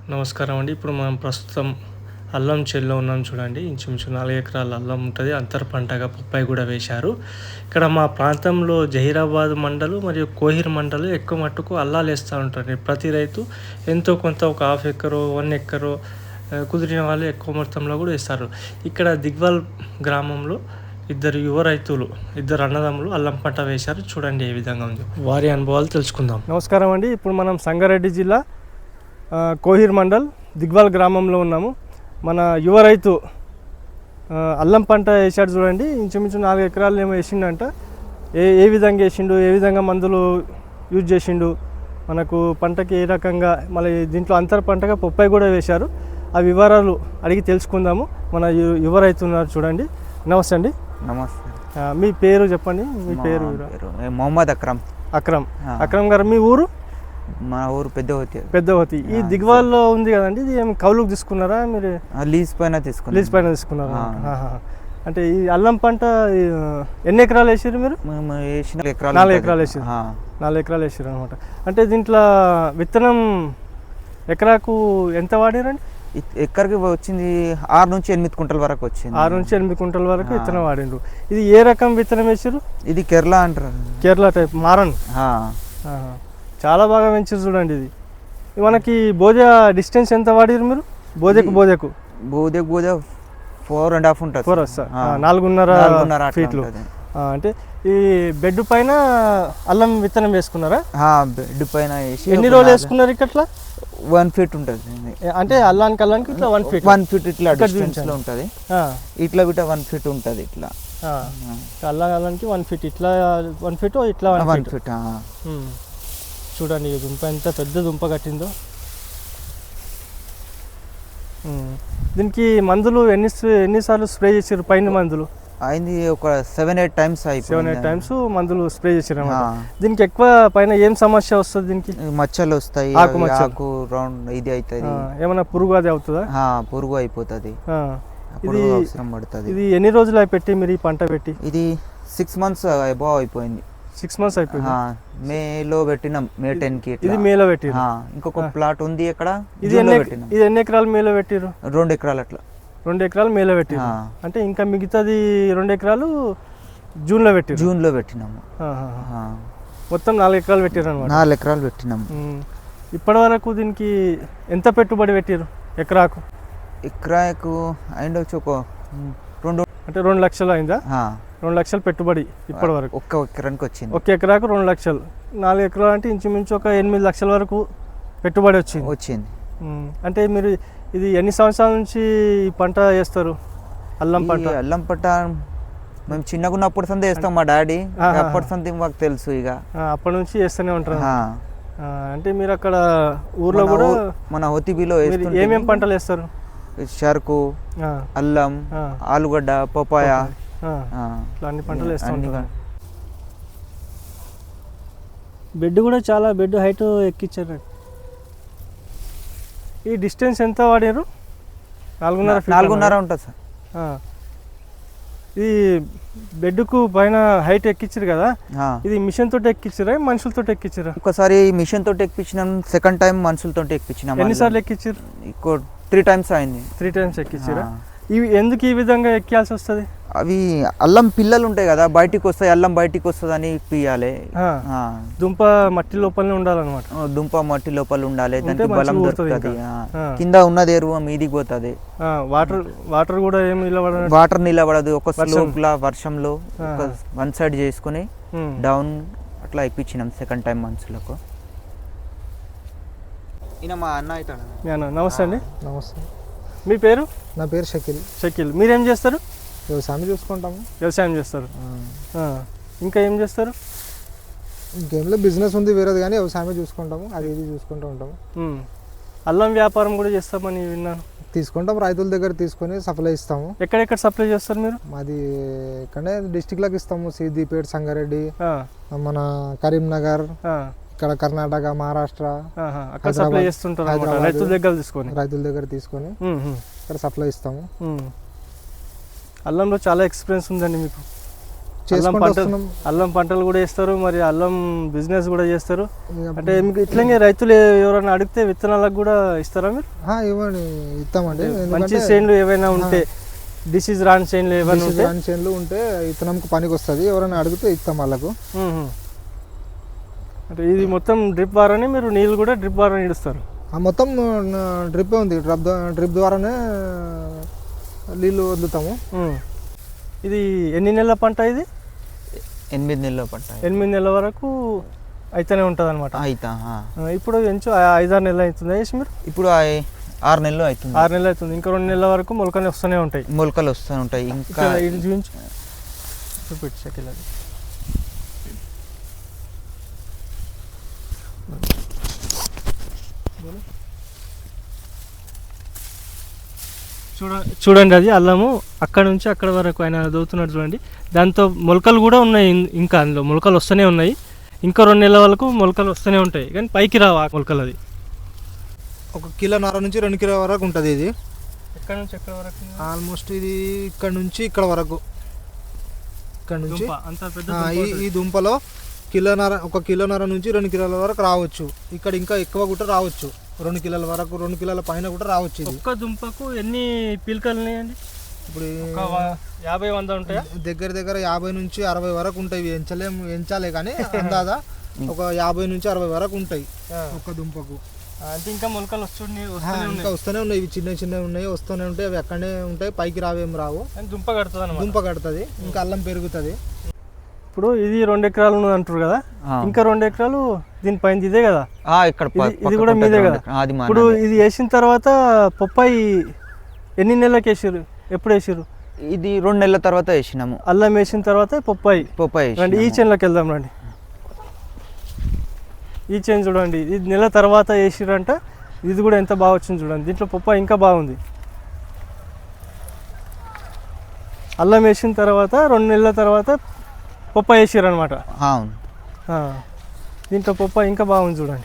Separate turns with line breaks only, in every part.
నమస్కారం అండి. ఇప్పుడు మనం ప్రస్తుతం అల్లం చేల్లో ఉన్నాం చూడండి. ఇంచుమించు 4 ఎకరాల అల్లం ఉంటుంది. అంతర పంటగా బొప్పాయి కూడా వేశారు. ఇక్కడ మా ప్రాంతంలో జహీరాబాద్ మండలు మరియు కోహిర్ మండలు ఎక్కువ మట్టుకు అల్లాలు వేస్తూ ఉంటారు. ప్రతి రైతు ఎంతో కొంత ఒక హాఫ్ ఎకరో 1 ఎకరో కుదిరిన వాళ్ళు ఎక్కువ మొత్తంలో కూడా వేస్తారు. ఇక్కడ దిగ్వాల్ గ్రామంలో ఇద్దరు యువ రైతులు, ఇద్దరు అన్నదమ్ములు అల్లం పంట వేశారు. చూడండి ఏ విధంగా ఉంది, వారి అనుభవాలు తెలుసుకుందాం. నమస్కారం అండి. ఇప్పుడు మనం సంగారెడ్డి జిల్లా కోహిర్ మండల్ దిగ్వాల్ గ్రామంలో ఉన్నాము. మన యువ రైతు అల్లం పంట వేసాడు చూడండి. ఇంచుమించు 4 ఎకరాలు ఏమో వేసిండంట. ఏ విధంగా వేసిండు, ఏ విధంగా మందులు యూజ్ చేసిండు, మనకు పంటకి ఏ రకంగా, మళ్ళీ దీంట్లో అంతర పంటగా బొప్పాయి కూడా వేశారు. ఆ వివరాలు అడిగి తెలుసుకుందాము. మన యువ రైతు ఉన్నారు చూడండి. నమస్తే అండి.
నమస్తే.
మీ పేరు చెప్పండి. మీ పేరు?
మొహమ్మద్ అక్రమ్.
అక్రమ్ గారు, మీ ఊరు?
మా ఊరు
పెద్దవతి. ఈ దిగ్వాల్లో ఉంది కదండి, ఇది ఏం కౌలుకు తీసుకున్నారా మీరు?
లీజ్ పైన
తీసుకున్నారా? అంటే ఈ అల్లం పంట ఎన్ని ఎకరాలు వేసారు మీరు? 4 ఎకరాలు వేసారు. 4 ఎకరాలు వేసారు అనమాట. అంటే దీంట్లో విత్తనం ఎకరాకు ఎంత వాడారండి?
ఎక్కడికి వచ్చింది 6 నుంచి 8 కుంటల వరకు వచ్చింది.
6 నుంచి 8 కుంటల వరకు విత్తనం వాడిండ్రు. ఇది ఏ రకం విత్తనం వేసారు?
ఇది కేరళ అంటారు.
కేరళ టైప్ మారన్. చాలా బాగా పెంచారు చూడండి. ఇది మనకి బోజా డిస్టెన్స్ ఎంత వాడారు మీరు? బోజకు
4.5 ఉంటుంది.
4.5 ఫీట్లు. అంటే ఈ బెడ్ పైన అల్లం విత్తనం వేసుకున్నారా?
బెడ్ పైన వేసి
ఎన్ని రోజులు వేసుకున్నారు? ఇక్కడ
1 ఫీట్ ఉంటుంది.
అంటే అల్లానికి ఇట్లా 1 ఫీట్
ఇట్లా డిస్టెన్స్ లో ఉంటుంది. ఇట్లా బిట్ట 1 ఫీట్ ఉంటుంది. ఇట్లా
అల్లానికి 1 ఫీట్, ఇట్లా 1 ఫీట్, ఇట్లా 1 ఫీట్. చూడండి దుంప ఎంత పెద్ద దుంప కట్టిందో. దీనికి మందులు ఎన్నిసార్లు స్ప్రే చేసారు? పైన మందులు
అయింది ఒక 7-8 టైమ్స్.
7-8 టైమ్స్ మందులు స్ప్రే చేసారు అన్నమాట. దీనికి ఎక్కువ పైన ఏం సమస్య వస్తుంది? దీనికి
మచ్చలు వస్తాయి, ఆకు రౌండ్ ఇది అవుతుంది.
ఏమైనా పురుగు అది అవుతుందా?
పురుగు అయిపోతుంది.
ఇది అవసరం పడుతుంది. ఇది ఎన్ని రోజులు పెట్టి మీరు ఈ పంట పెట్టి?
ఇది 6 మంత్స్ అబౌవ్ అయిపోయింది.
6 మంత్స్ అయిపోయింది.
మేలో పెట్టినాం. మే 10 కి.
ఇది మేలో పెట్టి.
ఇంకొక ప్లాట్ ఉంది ఇక్కడ.
ఇది ఎన్ని ఎకరాలు మేలో పెట్టిరు?
2 ఎకరాలు. అట్లా
2 ఎకరాలు మేలో పెట్టి. అంటే ఇంకా మిగతాది 2 ఎకరాలు జూన్లో
పెట్టినాము.
మొత్తం 4 ఎకరాలు పెట్టారు అనమాట.
4 ఎకరాలు పెట్టినాము.
ఇప్పటి వరకు దీనికి ఎంత పెట్టుబడి పెట్టారు ఎకరాకు?
ఎకరాకు అయిండొచ్చు ఒక 2.
అంటే 2 లక్షలు అయిందా? 2 లక్షలు పెట్టుబడి ఇప్పటి వరకు.
ఒక్క ఎకరానికి వచ్చింది.
ఒక ఎకరాకు 2 లక్షలు. 4 ఎకరాలు అంటే ఇంచుమించు ఒక 8 లక్షల వరకు పెట్టుబడి వచ్చింది. అంటే మీరు ఇది ఎన్ని సంవత్సరాల నుంచి ఈ పంట వేస్తారు? అల్లం పంట
మేము చిన్నగా ఉన్నప్పుడు సందే వేస్తాం. మా డాడీ అప్పటి సంది మాకు తెలుసు. ఇక
అప్పటి నుంచి వేస్తూనే ఉంటారు. అంటే మీరు అక్కడ ఊర్లో కూడా
మన హోతిబిలో
ఏమేమి పంటలు వేస్తారు?
చెరకు, అల్లం, ఆలుగడ్డ, పపాయ,
అన్ని పంటలు వేస్తూ ఉంటారు. బెడ్ కూడా చాలా హైట్ ఎక్కించారు. ఈ డిస్టెన్స్ ఎంత వాడారు? 4.5
ఉంటుంది సార్.
ఇది బెడ్కు పైన హైట్ ఎక్కించారు కదా, ఇది మిషన్ తోటి ఎక్కించారా మనుషులతో ఎక్కించారా?
ఒకసారి మిషన్ తోటి ఎక్కించినాం, సెకండ్ టైం మనుషులతో ఎక్కించినాం.
ఎన్నిసార్లు ఎక్కించారు?
3 టైమ్స్ అయింది.
3 టైమ్స్ ఎక్కించారా? ఇవి ఎందుకు ఈ విధంగా ఎక్కాల్సి వస్తుంది?
అవి అల్లం పిల్లలు ఉంటాయి కదా, బయటికి వస్తాయి. అల్లం బయటికి వస్తుంది అని పియాలి.
దుంప మట్టి లోపలనే ఉండాలన్నమాట.
దుంప మట్టి లోపల ఉండాలి, దానికి బలం దొరుకుతుంది. కింద ఉన్నది ఎరువు మీదికి పోతుంది.
వాటర్ కూడా ఏమి
నిలబడదు. ఒక స్లోప్ లా వర్షంలో 1 సైడ్ చేసుకుని డౌన్ అట్లా ఇప్పించినాం సెకండ్ టైం మనుషులకు. మా అన్న.
నమస్తే అండి. నమస్తే. మీ పేరు?
నా పేరు షకీల్.
మీరేం చేస్తారు?
వ్యవసాయం చూసుకుంటాము.
వ్యవసాయం చేస్తారు. ఇంకా ఏం చేస్తారు?
ఇంకేంలో బిజినెస్ ఉంది వేరేది, కానీ వ్యవసాయమే చూసుకుంటాము. అది ఇది చూసుకుంటూ ఉంటాము.
అల్లం వ్యాపారం కూడా చేస్తామని విన్నాను.
తీసుకుంటాం, రైతుల దగ్గర తీసుకొని సప్లై ఇస్తాము.
ఎక్కడెక్కడ సప్లై చేస్తారు మీరు?
మాది ఇక్కడే డిస్టిక్లకు ఇస్తాము. సిద్దిపేట, సంగారెడ్డి, మన కరీంనగర్, ఇక్కడ కర్ణాటక, మహారాష్ట్ర
అక్కడ సప్లై చేస్తుంటారు. రైతుల దగ్గర తీసుకొని ఇక్కడ సప్లై ఇస్తాము. అల్లంలో చాలా ఎక్స్పీరియన్స్ ఉందండి మీకు.
చేసుకుంటూ వస్తున్నాం.
అల్లం పంటలు కూడా వేస్తారు, మరి అల్లం బిజినెస్ కూడా చేస్తారు.
ఇక
అంటే మీకు ఇట్లనే రైతులు ఎవరైనా అడిగితే విత్తనాలకు కూడా ఇస్తారా మీరు?
ఇవ్వండి, ఇస్తామండి.
మంచి చేనులు ఏవైనా ఉంటే, డిసీజ్ రాని చేనులు ఏమైనా ఉంటే,
చేనులు ఉంటే విత్తనంకి పనికి వస్తుంది, ఎవరైనా అడిగితే ఇస్తాం వాళ్ళకు.
అంటే ఇది మొత్తం డ్రిప్ ద్వారానే మీరు నీళ్ళు కూడా డ్రిప్ ద్వారా ఇడుస్తారు?
మొత్తం డ్రిప్ ఉంది, డ్రిప్ ద్వారానే నీళ్ళు వదులుతాము.
ఇది ఎన్ని నెలల పంట ఇది?
8 నెలల పంట.
8 నెలల వరకు అయితేనే ఉంటుంది అనమాట.
అయితా.
ఇప్పుడు ఎంచు 5-6 నెలలు అవుతుంది వేసి మీరు?
ఇప్పుడు 6 నెలలు అవుతుంది.
6 నెలలు అవుతుంది. ఇంకా 2 నెలల వరకు మొలకలు వస్తూనే ఉంటాయి.
మొలకలు వస్తూ ఉంటాయి. ఇంకా
ఇది చూపించు, చూపించు షకిల్ అది. చూడండి, అది అల్లము అక్కడ నుంచి అక్కడ వరకు ఆయన దోతున్నాడు చూడండి. దాంతో మొలకలు కూడా ఉన్నాయి, ఇంకా అందులో మొలకలు వస్తూనే ఉన్నాయి. ఇంకా 2 నెలల వరకు మొలకలు వస్తూనే ఉంటాయి, కానీ పైకి రావు ఆ మొలకలు. అది
1 కిలోన్నర నుంచి 2 కిలో వరకు ఉంటుంది. ఇది
ఎక్కడ నుంచి ఎక్కడ వరకు?
ఆల్మోస్ట్ ఇది ఇక్కడ నుంచి ఇక్కడ వరకు. ఇక్కడ నుంచి
అంత పెద్ద
ఈ దుంపలో 1 కిలోన్నర నుంచి 2 కిలోల వరకు రావచ్చు. ఇక్కడ ఇంకా ఎక్కువ కూడా రావచ్చు, 2 కిలోల వరకు, 2 కిలోల పైన కూడా రావచ్చు. ఇది
ఒక్క దుంపకు ఎన్ని పిలకలు ఉన్నాయండి?
ఇప్పుడు
50-100 ఉంటాయా?
దగ్గర 50 నుంచి 60 వరకు ఉంటాయి. ఎంచాలే కానీ అందాదా ఒక 50 నుంచి 60 వరకు ఉంటాయి ఒక్క దుంపకు.
అంటే ఇంకా మొలకలు
ఇంకా వస్తూనే ఉన్నాయి. ఇవి చిన్న ఉన్నాయి, వస్తూనే ఉంటాయి. అవి అక్కడనే ఉంటాయి, పైకి రావేం రావు.
దుంప కడుతుంది,
దుంప కడుతుంది, ఇంకా అల్లం పెరుగుతుంది.
ఇప్పుడు ఇది 2 ఎకరాలు ఉన్నది అంటారు కదా, ఇంకా 2 ఎకరాలు దీనిపైన ఇదే కదా,
ఇక్కడ
ఇది కూడా మీదే కదా. ఇప్పుడు ఇది వేసిన తర్వాత పొప్పాయి ఎన్ని నెలలకు వేసారు, ఎప్పుడు వేసారు?
ఇది 2 నెలల తర్వాత వేసినాము.
అల్లం వేసిన తర్వాత పొప్పాయి. రండి ఈ చేనులోకి వెళ్దాం రండి. ఈ చేను చూడండి, ఇది నెల తర్వాత వేసిరంట. ఇది కూడా ఎంత బాగా వచ్చింది చూడండి, దీంట్లో పొప్పాయి ఇంకా బాగుంది. అల్లం వేసిన తర్వాత 2 నెలల తర్వాత పొప్పాయి వేసారు అనమాట.
అవును,
దీంట్లో పొప్పాయి ఇంకా బాగుంది చూడండి.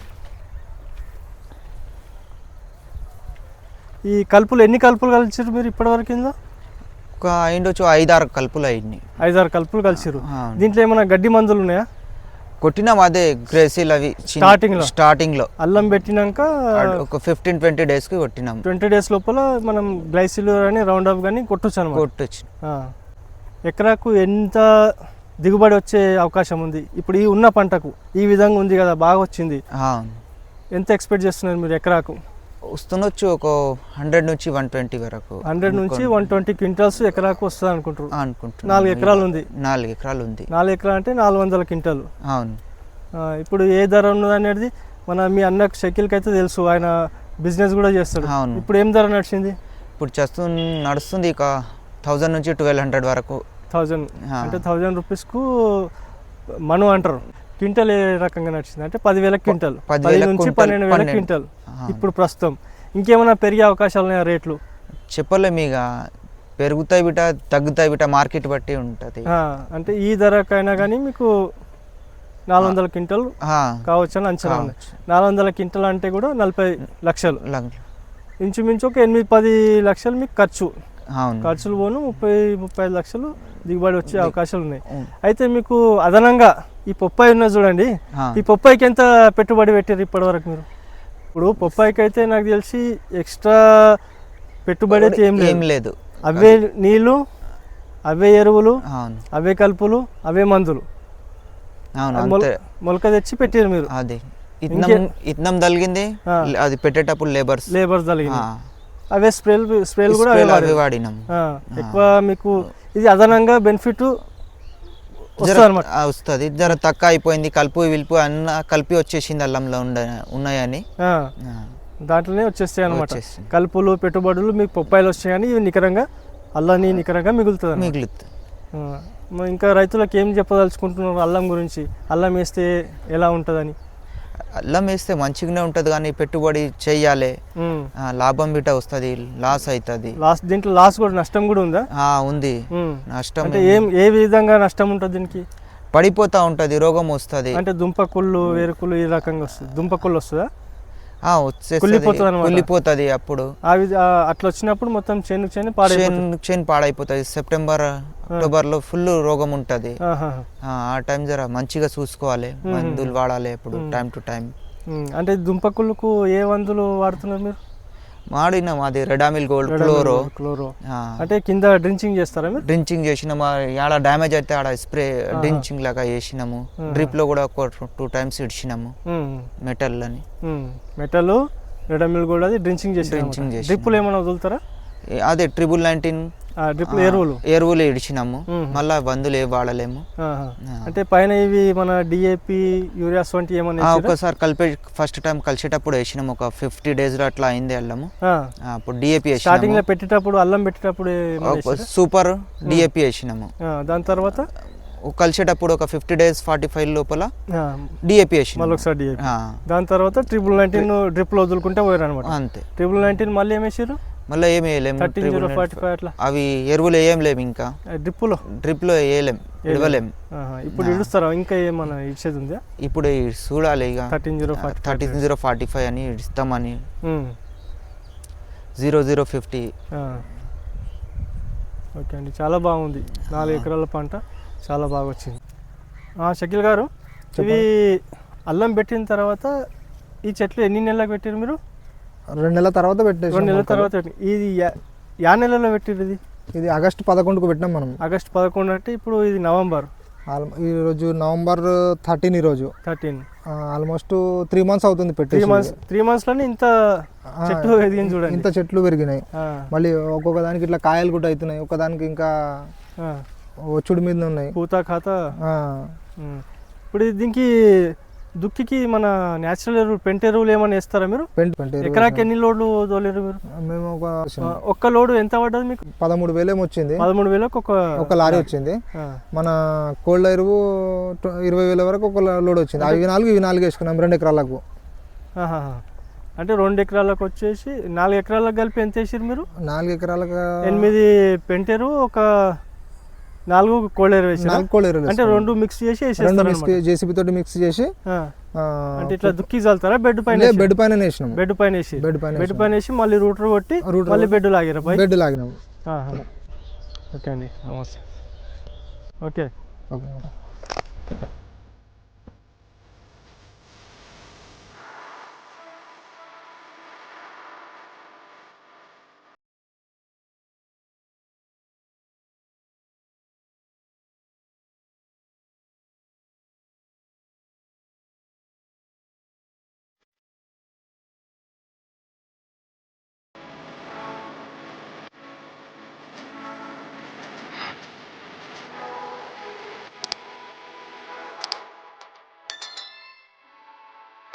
ఈ కలుపులు ఎన్ని కలుపులు కలిసారు మీరు ఇప్పటివరకు? ఇందులో
ఒక 5-6 కలుపులు అయింది.
5-6 కలుపులు కలిసారు. దీంట్లో ఏమైనా గడ్డి మందులు ఉన్నాయా?
కొట్టినాం, అదే గ్రేసిల్ అవి స్టార్టింగ్ లో
అల్లం పెట్టినాక
ఒక 15-20 డేస్ కి కొట్టినాం.
20 డేస్ లోపల మనం గ్లైసిల్ కానీ రౌండ్ అప్ కానీ కొట్టొచ్చు అనమాట.
కొట్టొచ్చు.
ఎకరాకు ఎంత దిగుబడి వచ్చే అవకాశం ఉంది ఇప్పుడు ఈ ఉన్న పంటకు? ఈ విధంగా ఉంది కదా, బాగా వచ్చింది. ఎంత ఎక్స్పెక్ట్ చేస్తున్నారు మీరు ఎకరాకు?
వస్తుండొచ్చు ఒక 100 నుంచి 120 వరకు.
100 నుంచి 120 క్వింటాల్స్ ఎకరాకు వస్తుంది అనుకుంటారు. 4 ఎకరాలు ఉంది.
4 ఎకరాలు ఉంది.
4 ఎకరాలు అంటే 400 క్వింటాలు.
అవును.
ఇప్పుడు ఏ ధర ఉన్నది అనేది మీ అన్నకు షకిల్కి అయితే తెలుసు, ఆయన బిజినెస్ కూడా చేస్తాడు.
అవును.
ఇప్పుడు ఏం ధర నడిచింది?
ఇప్పుడు నడుస్తుంది ఒక 1000 నుంచి 1200 వరకు.
1000 అంటే 1000 రూపీస్కు మను అంటారు. క్వింటల్ ఏ రకంగా నడిచింది అంటే 10,000 క్వింటల్, 10 నుంచి 12,000 క్వింటల్ ఇప్పుడు ప్రస్తుతం. ఇంకేమైనా పెరిగే అవకాశాలు ఉన్నాయా రేట్లు?
చెప్పలేము, ఇక పెరుగుతాయి బిట తగ్గుతాయి బిట, మార్కెట్ బట్టి ఉంటుంది.
అంటే ఈ ధరకైనా కానీ మీకు 400 క్వింటల్ కావచ్చు అని అంచనా ఉంది. 400 క్వింటల్ అంటే కూడా 40 లక్షలు, ఇంచుమించు ఒక 8-10 లక్షలు మీకు ఖర్చు. ఖర్చులు పోను 30-35 లక్షలు దిగుబడి వచ్చే అవకాశాలు ఉన్నాయి. అయితే మీకు అదనంగా ఈ పొప్పాయి ఉన్నది చూడండి, ఈ పొప్పాయికి ఎంత పెట్టుబడి పెట్టారు ఇప్పటి వరకు మీరు? ఇప్పుడు పొప్పాయికి అయితే నాకు తెలిసి ఎక్స్ట్రా పెట్టుబడి అయితే ఏం లేదు. అవే నీళ్ళు, అవే ఎరువులు, అవే కలుపులు, అవే మందులు, మొలక తెచ్చి పెట్టారు మీరు.
అది ఇత్నం తగిలింది, అది పెట్టేటప్పుడు లేబర్స్ తగిలింది,
అవే స్ప్రేలు కూడా అవే వాడినాం. ఎక్కువ మీకు ఇది అదనంగా బెనిఫిట్
వస్తుంది. జర తక్కువ అయిపోయింది, కలుపు విలుపు అన్న కలిపి వచ్చేసింది అల్లంలో ఉన్నాయని,
దాంట్లోనే వచ్చేస్తాయి అనమాట. కలుపులు పెట్టుబడులు మీకు పొప్పాయిలు వచ్చాయి కానీ ఇవి నికరంగా అల్లాన్ని నికరంగా మిగులుతుంది. ఇంకా రైతులకు ఏం చెప్పదలుచుకుంటున్నారు అల్లం గురించి? అల్లం వేస్తే ఎలా ఉంటుందని?
అల్లం వేస్తే మంచిగానే ఉంటుంది, కానీ పెట్టుబడి చెయ్యాలి, లాభం బిట వస్తుంది, లాస్ అవుతుంది.
దీంట్లో లాస్ కూడా, నష్టం కూడా ఉందా?
ఉంది. నష్టం
అంటే ఏ విధంగా నష్టం ఉంటుంది దీనికి?
పడిపోతా ఉంటుంది, రోగం వస్తుంది.
అంటే దుంపకుళ్ళు, వేరుకుళ్ళు ఈ రకంగా వస్తుంది. దుంపకుళ్ళు వస్తుందా?
వచ్చేస్తుంది,
కుళ్ళిపోతుంది అన్నమాట.
కుళ్ళిపోతుంది. అప్పుడు
అట్లా వచ్చినప్పుడు మొత్తం చేను పాడైపోతుంది.
చేను పాడైపోతుంది. సెప్టెంబర్ అక్టోబర్లో ఫుల్ రోగం ఉంటుంది. ఆ టైం జర మంచిగా చూసుకోవాలి, మందులు వాడాలి ఎప్పుడు టైం టు టైం.
అంటే దుంపకుళ్ళకు ఏ మందులు వాడుతున్నారు మీరు?
వాడినాం అది రెడామిల్ గోల్డ్ క్లోరో.
అంటే కింద డ్రించింగ్ చేస్తారా మీరు?
డ్రించింగ్ చేసినాము, ఆడ డ్యామేజ్ అయితే ఆడ స్ప్రే డ్రించింగ్ లాగా చేసినాము. డ్రిప్ లో కూడా ఒక 2 times ఇడిచినాము మెటల్ అని.
మెటల్ రెడామిల్ గోల్డ్ అది డ్రించింగ్ చేసి డ్రిప్పులు ఏమైనా వదులుతారా?
అదే 19
డ్రిప్
ఎరువులు ఇడిచినాము, మళ్ళా మందులు ఏ వాడలేము.
అంటే పైన ఇవి మన డిఏపి యూరియాస్ వంటి ఏమన్నా
ఒకసారి ఫస్ట్ టైం కలిసేటప్పుడు వేసినాము, ఒక 50 days లో అట్లా అయింది అల్లము. అప్పుడు డిఏపి
స్టార్టింగ్ లో పెట్టేటప్పుడు అల్లం పెట్టేటప్పుడు
సూపర్ డిఏపి వేసినాము.
దాని తర్వాత
కలిసేటప్పుడు ఒక 50 days 45 లోపల డిఏపి వేసి
మళ్ళీ ఒకసారి డిఏపి. దాని తర్వాత 19 డ్రిప్ లో వదులుకుంటే పోయారు అనమాట.
అంతే.
19 మళ్ళీ ఏం వేసారు?
మళ్ళీ ఏమి వేయలేము,
13-045 అట్లా
అవి ఎరువులు వేయలేము, ఇంకా డ్రిప్ లో వేయలేము, ఇడవలేము.
ఇప్పుడు ఇడుస్తారా? ఇంకా ఏమన్నా ఇచ్చేది ఉందా?
ఇప్పుడు చూడాలి ఇక 13-045 అని ఇస్తామని. 0050.
ఓకే అండి, చాలా బాగుంది. 4 ఎకరాల పంట చాలా బాగా వచ్చింది. షకీల్ గారు, ఇవి అల్లం పెట్టిన తర్వాత ఈ చెట్లు ఎన్ని నెలలకు పెట్టారు మీరు?
2 నెలల తర్వాత పెట్టేసి.
2 నెలల తర్వాత. ఇది యా నెలలో పెట్టారు?
ఇది ఆగస్టు 11కు పెట్టినాం మనం.
ఆగస్టు 11 అంటే ఇప్పుడు ఇది నవంబర్.
ఈరోజు నవంబర్ 13. ఈరోజు
13.
ఆల్మోస్ట్ 3 months అవుతుంది పెట్టి.
3 months లోనే ఇంత చెట్లు ఎదిగింది చూడండి,
ఇంత చెట్లు పెరిగినాయి. మళ్ళీ ఒక్కొక్క దానికి ఇట్లా కాయలు కూడా అవుతున్నాయి, ఒకదానికి ఇంకా వచ్చుడు మీద ఉన్నాయి,
పూత ఖాతా. ఇప్పుడు దీనికి దుక్కికి మన న్యాచురల్ ఎరువులు, పెంట ఎరువులు ఏమైనా వేస్తారా మీరు? ఎకరాకి ఎన్ని లోడ్లు తోలేరు మీరు?
మేము
ఒక్క లోడు ఎంత పడ్డది మీకు?
13,000 ఏమో వచ్చింది.
13,000
ఒక లారీ వచ్చింది. మన కోల్డ్ ఎరువు 20,000 వరకు ఒక లోడ్ వచ్చింది. అవి 4 వేసుకున్నాం 2 ఎకరాలకు.
అంటే 2 ఎకరాలకు వచ్చేసి 4 ఎకరాలకు కలిపి ఎంత వేసారు మీరు?
4 ఎకరాలకు
8 పెంట ఎరువు, ఒక 4 కోల్డ్ ఎరువు వేసి.
4 కోల్డ్ ఎరువు
అంటే 2 మిక్స్ చేసి
జేసీబీ తోటి మిక్స్ చేసి.
అంటే ఇట్లా దుక్కి చల్లుతారా? బెడ్ పైన
వేసినాం.
బెడ్ పైన వేసి మళ్ళీ రూటర్ కొట్టి మళ్ళీ బెడ్ లాగారా?
బెడ్ లాగినాం.
ఓకే అండి, నమస్తే. ఓకే.